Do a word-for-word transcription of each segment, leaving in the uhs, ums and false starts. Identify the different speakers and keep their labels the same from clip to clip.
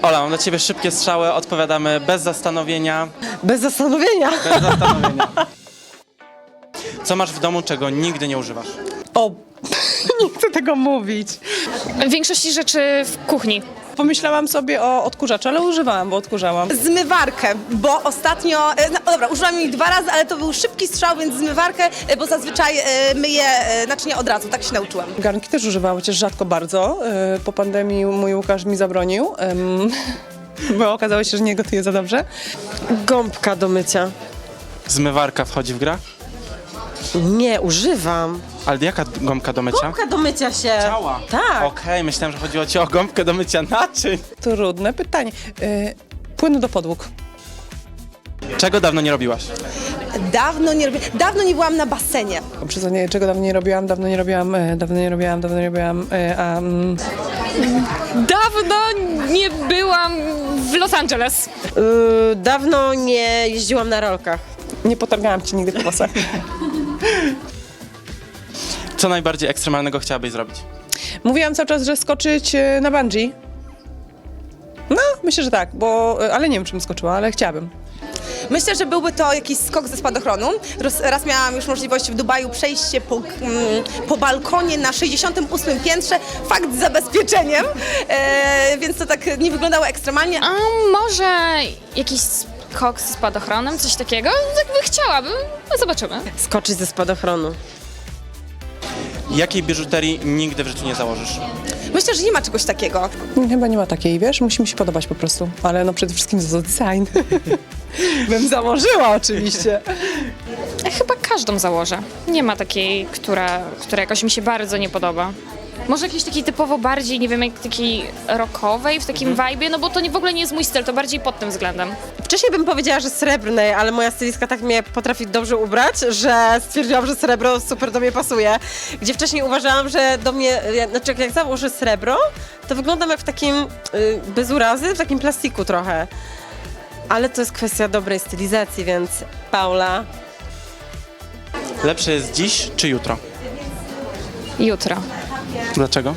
Speaker 1: Ola, mam dla ciebie szybkie strzały, odpowiadamy bez zastanowienia.
Speaker 2: Bez zastanowienia.
Speaker 1: Bez zastanowienia. Co masz w domu, czego nigdy nie używasz?
Speaker 2: O, nie chcę tego mówić.
Speaker 3: W większości rzeczy w kuchni.
Speaker 2: Pomyślałam sobie o odkurzaczu, ale używałam, bo odkurzałam.
Speaker 4: Zmywarkę, bo ostatnio, e, no dobra, użyłam jej dwa razy, ale to był szybki strzał, więc zmywarkę, e, bo zazwyczaj e, myję e, naczynia od razu, tak się nauczyłam.
Speaker 2: Garnki też używałam, chociaż rzadko bardzo. Yy, Po pandemii mój Łukasz mi zabronił, ym, bo okazało się, że nie gotuje za dobrze.
Speaker 5: Gąbka do mycia.
Speaker 1: Zmywarka wchodzi w grę?
Speaker 5: Nie, używam.
Speaker 1: Ale jaka gąbka do mycia?
Speaker 5: Gąbka do mycia się.
Speaker 1: Ciała.
Speaker 5: Tak.
Speaker 1: Okej, myślałem, że chodziło ci o gąbkę do mycia naczyń.
Speaker 2: Trudne pytanie. Yy, Płyn do podłóg.
Speaker 1: Czego dawno nie robiłaś?
Speaker 4: Dawno nie robię, dawno nie byłam na basenie.
Speaker 2: O, przyznanie, czego dawno nie robiłam, dawno nie robiłam, yy, dawno nie robiłam, dawno nie robiłam, yy, a... Mm,
Speaker 3: Dawno nie byłam w Los Angeles.
Speaker 5: Yy, dawno nie jeździłam na rolkach.
Speaker 2: nie potargałam ci nigdy po włosach.
Speaker 1: Co najbardziej ekstremalnego chciałabyś zrobić?
Speaker 2: Mówiłam cały czas, że skoczyć yy, na bungee. No, myślę, że tak, bo... Yy, ale nie wiem, czym skoczyła, ale chciałabym.
Speaker 4: Myślę, że byłby to jakiś skok ze spadochronu. Raz, raz miałam już możliwość w Dubaju przejść się po, mm, po balkonie na sześćdziesiątym ósmym piętrze, fakt z zabezpieczeniem, e, więc to tak nie wyglądało ekstremalnie.
Speaker 3: A może jakiś skok z spadochronem, coś takiego? Tak by chciałabym, no zobaczymy.
Speaker 5: Skoczyć ze spadochronu.
Speaker 1: Jakiej biżuterii nigdy w życiu nie założysz?
Speaker 4: Myślę, że nie ma czegoś takiego.
Speaker 2: Chyba nie ma takiej, wiesz, musi mi się podobać po prostu. Ale no przede wszystkim za design. Bym założyła oczywiście.
Speaker 3: Ja chyba każdą założę. Nie ma takiej, która, która jakoś mi się bardzo nie podoba. Może jakiejś takiej typowo bardziej, nie wiem, jak takiej rockowej, w takim vibe'ie, no bo to nie, w ogóle nie jest mój styl, to bardziej pod tym względem.
Speaker 5: Wcześniej bym powiedziała, że srebrnej, ale moja stylistka tak mnie potrafi dobrze ubrać, że stwierdziłam, że srebro super do mnie pasuje. Gdzie wcześniej uważałam, że do mnie, ja- znaczy jak założę srebro, to wyglądam jak w takim, y, bez urazy, w takim plastiku trochę. Ale to jest kwestia dobrej stylizacji, więc Paula.
Speaker 1: Lepsze jest dziś czy jutro?
Speaker 3: Jutro.
Speaker 1: Dlaczego?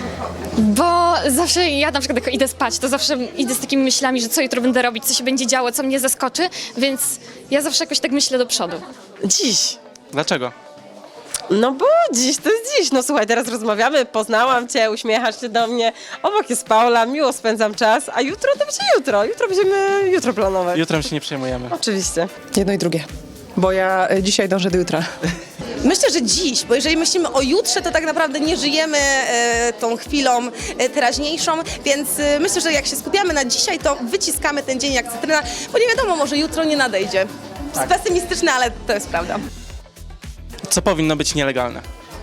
Speaker 3: Bo zawsze ja na przykład jak idę spać, to zawsze idę z takimi myślami, że co jutro będę robić, co się będzie działo, co mnie zaskoczy, więc ja zawsze jakoś tak myślę do przodu.
Speaker 5: Dziś.
Speaker 1: Dlaczego?
Speaker 5: No bo dziś to jest dziś. No słuchaj, teraz rozmawiamy, poznałam cię, uśmiechasz się do mnie. Obok jest Paula, miło spędzam czas, a jutro to będzie jutro. Jutro będziemy jutro planować.
Speaker 1: Jutrem się nie przejmujemy.
Speaker 5: Oczywiście.
Speaker 2: Jedno i drugie. Bo ja y, dzisiaj dążę do jutra.
Speaker 4: Myślę, że dziś, bo jeżeli myślimy o jutrze, to tak naprawdę nie żyjemy e, tą chwilą e, teraźniejszą, więc e, myślę, że jak się skupiamy na dzisiaj, to wyciskamy ten dzień jak cytryna, bo nie wiadomo, może jutro nie nadejdzie.
Speaker 1: Tak.
Speaker 4: Pesymistyczne, ale to jest prawda.
Speaker 1: Co powinno być nielegalne?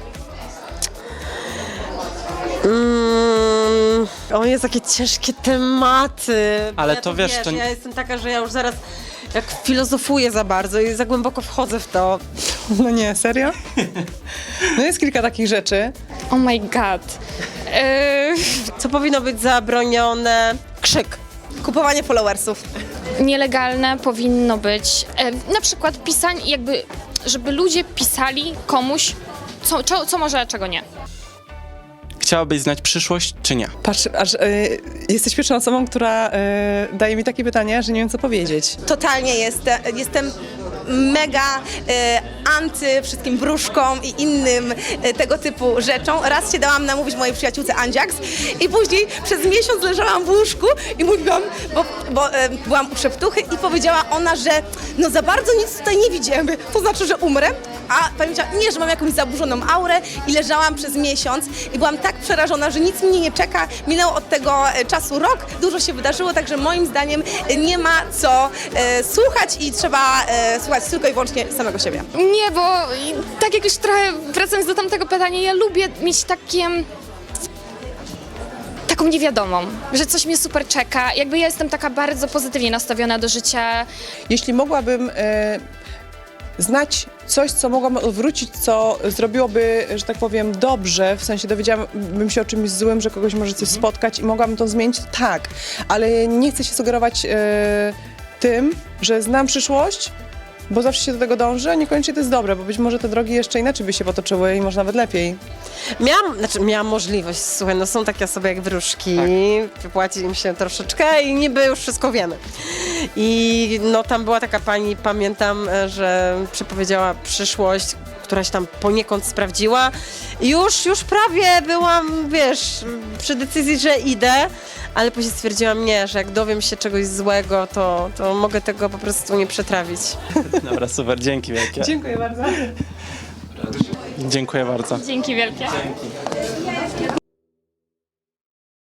Speaker 5: Mm, o, jest takie ciężkie tematy.
Speaker 1: Ale
Speaker 5: ja
Speaker 1: to wiesz, to nie-
Speaker 5: Ja jestem taka, że ja już zaraz jak filozofuję za bardzo i za głęboko wchodzę w to.
Speaker 2: No nie, serio? No jest kilka takich rzeczy.
Speaker 3: Oh my god. Yy,
Speaker 5: Co powinno być zabronione? Krzyk.
Speaker 4: Kupowanie followersów.
Speaker 3: nielegalne powinno być e, na przykład pisanie, jakby, żeby ludzie pisali komuś, co, co, co może, a czego nie.
Speaker 1: Chciałabyś znać przyszłość czy nie?
Speaker 2: Patrz, aż y, jesteś pierwszą osobą, która y, daje mi takie pytania, że nie wiem, co powiedzieć.
Speaker 4: Totalnie jestem, jestem mega e, anty wszystkim wróżkom i innym e, tego typu rzeczom. Raz się dałam namówić mojej przyjaciółce Andziaks i później przez miesiąc leżałam w łóżku i mówiłam, bo, bo e, byłam u szeptuchy i powiedziała ona, że no za bardzo nic tutaj nie widzimy, to znaczy, że umrę. A pamiętała, nie, że mam jakąś zaburzoną aurę i leżałam przez miesiąc i byłam tak przerażona, że nic mnie nie czeka. Minęło od tego e, czasu rok, dużo się wydarzyło, także moim zdaniem e, nie ma co e, słuchać i trzeba e, słuchać tylko i wyłącznie samego siebie.
Speaker 3: Nie, bo i tak jak już trochę wracając do tamtego pytania, ja lubię mieć takie... taką niewiadomą, że coś mnie super czeka. Jakby ja jestem taka bardzo pozytywnie nastawiona do życia.
Speaker 2: Jeśli mogłabym y, znać coś, co mogłam odwrócić, co zrobiłoby, że tak powiem, dobrze, w sensie dowiedziałabym się o czymś złym, że kogoś może coś spotkać i mogłabym to zmienić, to tak, ale nie chcę się sugerować y, tym, że znam przyszłość, bo zawsze się do tego dąży, a niekoniecznie to jest dobre, bo być może te drogi jeszcze inaczej by się potoczyły i może nawet lepiej.
Speaker 5: Miałam, znaczy miałam możliwość, słuchaj, no są takie osoby jak wróżki, wypłaci im się troszeczkę i niby już wszystko wiemy. I no tam była taka pani, pamiętam, e, że przepowiedziała przyszłość, która się tam poniekąd sprawdziła. I Już, już prawie byłam, wiesz, przy decyzji, że idę, ale później stwierdziłam nie, że jak dowiem się czegoś złego, to, to mogę tego po prostu nie przetrawić.
Speaker 1: Dobra, super, dzięki wielkie.
Speaker 2: Dziękuję bardzo.
Speaker 1: Dziękuję bardzo.
Speaker 3: Dzięki wielkie.
Speaker 1: Dzięki.